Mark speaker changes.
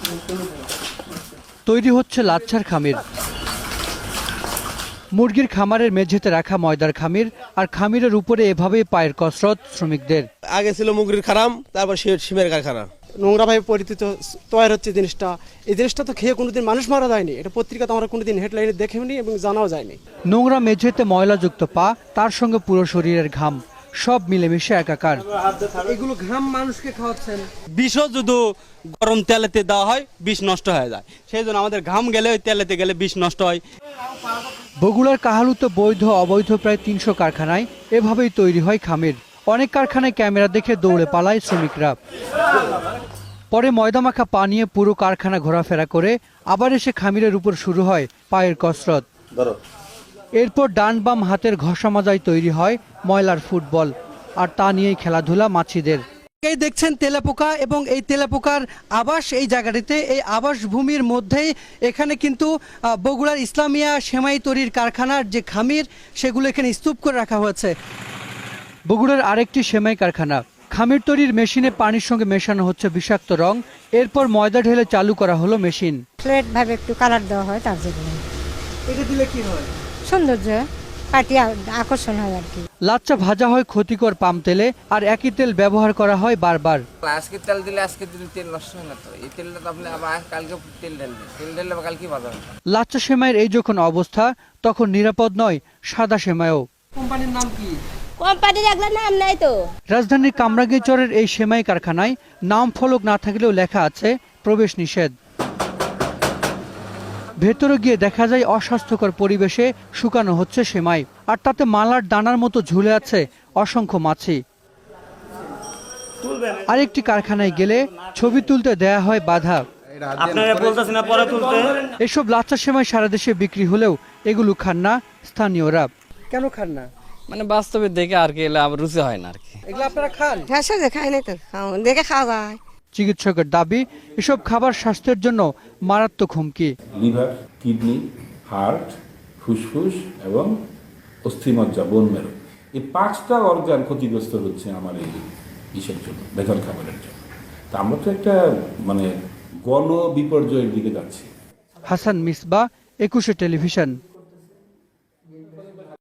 Speaker 1: তৈরি হচ্ছে লাচ্ছার খামির। মুরগির খামারের মেঝেতে রাখা ময়দার খামির, আর খামিরের উপরে এভাবেই পায়ের কসরত শ্রমিকদের।
Speaker 2: আগে ছিল মুগরির খারাম, তারপর সিমের কারখানা।
Speaker 3: নোংরাভাবে পরিচিত তৈরি হচ্ছে জিনিসটা। এই জিনিসটা তো খেয়ে কোনোদিন মানুষ মারা যায়নি, এটা পত্রিকাতে আমরা কোনোদিন হেডলাইনে দেখেওনি এবং জানাও যায়নি।
Speaker 1: নোংরা মেঝেতে ময়লাযুক্ত পা, তার সঙ্গে পুরো শরীরের ঘাম, সব মিলেমিশে একাকার।
Speaker 3: এগুলো ঘাম মানুষকে খাওয়াচ্ছেন।
Speaker 4: বিষও যদি গরম তেলেতে দেওয়া হয় বিষ নষ্ট হয়ে যায়, সেই জন্য আমাদের ঘাম গেলে ওই তেলেতে গেলে বিষ নষ্ট হয়।
Speaker 1: বগুড়ার কাহালুতে বৈধ অবৈধ প্রায় ৩০০ কারখানায় এভাবেই তৈরি হয় খামির। অনেক কারখানায় ক্যামেরা দেখে দৌড়ে পালায় শ্রমিকরা। পরে ময়দামাখা পা নিয়ে পুরো কারখানা ঘোরাফেরা করে আবার এসে খামিরের উপর শুরু হয় পায়ের কসরত। এরপর ডান বাম হাতের ঘষা মাজায় তৈরি হয় ময়লার ফুটবল, আর তা নিয়েই খেলাধুলা মাছিদের। এই দেখছেন তেলাপোকা, এবং এই তেলাপোকার আবাস এই জায়গাটিতে, এই আবাস ভূমির মধ্যেই এখানে কিন্তু বগুড়ার ইসলামিয়া সেমাই তৈরির কারখানার যে খামির, সেগুলো এখানে স্তূপ করে রাখা হয়েছে। বগুড়ার আরেকটি সেমাই কারখানা, খামির তৈরির মেশিনে পানির সঙ্গে মেশানো হচ্ছে বিষাক্ত রং। এরপর ময়দা ঢেলে চালু করা হলো মেশিন।
Speaker 5: ফ্ল্যাট ভাবে একটু কালার দেওয়া হয়, তার জন্য
Speaker 1: এটা দিলে কি হয়?
Speaker 5: সৌন্দর্য পাটি আকর্ষণ হয় আর কি।
Speaker 1: লাচ্চা ভাজা হয় ক্ষতিকর পাম তেলে, আর একই তেল ব্যবহার করা হয় বারবার।
Speaker 6: আজকে তেল দিলে আজকে দিলে তেল নষ্ট হয় না তো, এই তেলটা তো আপনি আবার কালকে তেল ঢেললে কালকে ভাজা হবে।
Speaker 1: লাচ্চা সেমাইয়ের এই যখন অবস্থা, তখন নিরাপদ নয় সাদা সেমাইও।
Speaker 3: কোম্পানির নাম কি?
Speaker 5: কোম্পানির এগুলো নাম নাই তো।
Speaker 1: রাজধানীর কামরাঙ্গীরচরের এই সেমাই কারখানায় নাম ফলক না থাকলেও লেখা আছে প্রবেশ নিষেধ। ভেতরে গিয়ে দেখা যায় অস্বাস্থ্যকর পরিবেশে শুকানো হচ্ছে সেমাই, আর তাতে মালার দানার মতো ঝুলে আছে অসংখ্য মাছি। আরেকটি কারখানায় গেলে ছবি তুলতে দেয়া হয় বাধা। এসব লাচ্চা সেমাই সারা দেশে বিক্রি হলেও এগুলো খান না স্থানীয়রা।
Speaker 3: কেন খান না?
Speaker 6: মানে বাস্তবে দেখে আর কি এলে আবার রুচি হয় না আর কি।
Speaker 3: এগুলো আপনারা খান?
Speaker 5: খাই নাই তো, দেখে খাওয়া যায়।
Speaker 1: চিকিৎসকের দাবি, এসব খাবার স্বাস্থ্যের জন্য মারাত্মক হুমকি।
Speaker 7: লিভার, কিডনি, হার্ট, ফুসফুস এবং অস্থিমজ্জা, বোন মেরু, এই 5টা অর্গান ক্ষতিগ্রস্ত হচ্ছে আমার এই ইসের জন্য, ভেজাল খাবারের জন্য। তা আমরা তো একটা গণ বিপর্যয়ের দিকে যাচ্ছি।
Speaker 1: হাসান মিসবা, 21 টেলিভিশন।